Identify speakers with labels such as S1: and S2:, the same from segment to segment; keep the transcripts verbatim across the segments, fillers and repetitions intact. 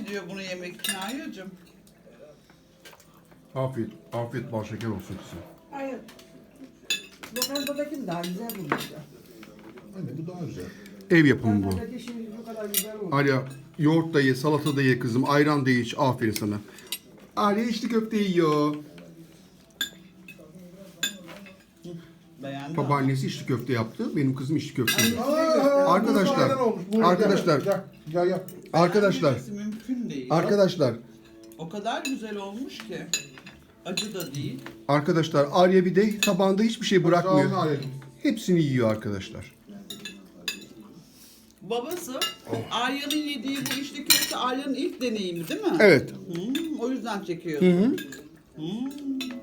S1: gidiyor bunu yemek için Arya'cığım.
S2: Afiyet, afiyet bal şeker olsun kızım.
S3: Hayır. Lokantadaki daha güzel bulmuş ya.
S4: Anne bu daha güzel.
S2: Ev yapımı bu.
S3: Lokantadaki şimdi bu kadar güzel olmuş.
S2: Arya yoğurt da ye, salata da ye kızım, ayran da ye iç. Aferin sana. Arya içli köfte yiyor.
S1: Beğendim.
S2: Babaannesi içli köfte yaptı. Benim kızım içli köfte yiyor.
S4: Aa,
S2: Arkadaşlar,
S4: bu ayran olmuş. Buyurun,
S2: arkadaşlar.
S4: Gel, gel, gel.
S2: Arkadaşlar,
S1: Beğenmemesi mümkün değil.
S2: arkadaşlar,
S1: O kadar güzel olmuş ki. Acı da değil.
S2: arkadaşlar Arya bir de tabağında hiçbir şey
S4: Sağ olun
S2: bırakmıyor.
S4: Arya'cığım.
S2: Hepsini yiyor arkadaşlar.
S1: Babası Arya'nın yediği bu içli köfte Arya'nın ilk deneyimi değil mi?
S2: Evet.
S1: Hmm, o yüzden çekiyor.
S2: Hı hı.
S1: Hmm.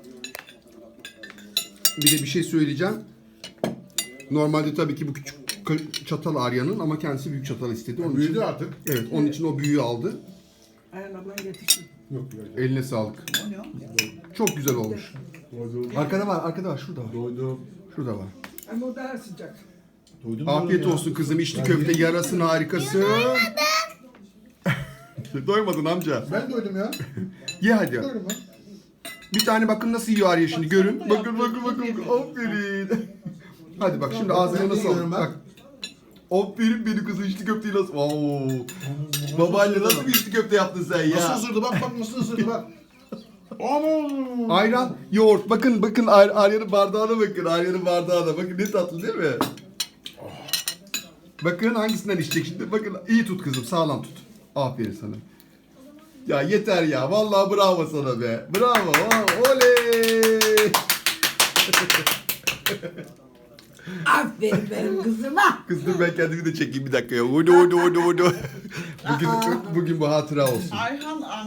S2: Bir de bir şey söyleyeceğim. Normalde tabii ki bu küçük k- çatal Arya'nın ama kendisi büyük çatal istedi. Onun için,
S4: Büyüdü artık.
S2: evet, onun için o büyüğü aldı.
S3: Ayhan ablan getirsin.
S4: Yok yok.
S2: Eline sağlık.
S1: O ne o?
S2: Çok güzel olmuş.
S4: Doydum.
S2: Arkada var, arkada var. Şurada var.
S4: Doydum.
S2: Şurada var.
S3: Ama o daha sıcak.
S4: Doydum
S2: Afiyet
S4: diyorum ya.
S2: olsun kızım. İçli köfte yarasın harikası. Doymadın amca.
S4: Ben doydum ya.
S2: Ye hadi.
S4: Doydum ben.
S2: Bir tane bakın nasıl yiyor Arya şimdi. Görün.
S1: da
S2: Bakın bakın
S1: yaptım.
S2: bakın. Aferin. Hadi bak şimdi ağzına
S4: Ben de
S2: nasıl
S4: yiyorum
S2: al.
S4: ben.
S2: Bak. Aferin benim kızım içli köfteyi nasıl... Oo. Babaanne nasıl bir içli köfte yaptın sen
S4: Nasıl
S2: ya?
S4: ısırdı bak bak nasıl ısırdı bak. Aman.
S2: Ayran, yoğurt. Bakın bakın Ar- Arya'nın bardağına bakın. Arya'nın bardağına. Bakın ne tatlı değil mi? Bakın hangisinden içecek şimdi. Bakın iyi tut kızım. Sağlam tut. Aferin sana. Ya yeter ya. Vallahi bravo sana be. Bravo. Oh, oley.
S3: Aferin benim kızıma.
S2: Kız dur ben kendimi de çekeyim bir dakika ya. Udu udu udu udu. Bugün, bugün bu hatıra olsun.
S1: Ayhan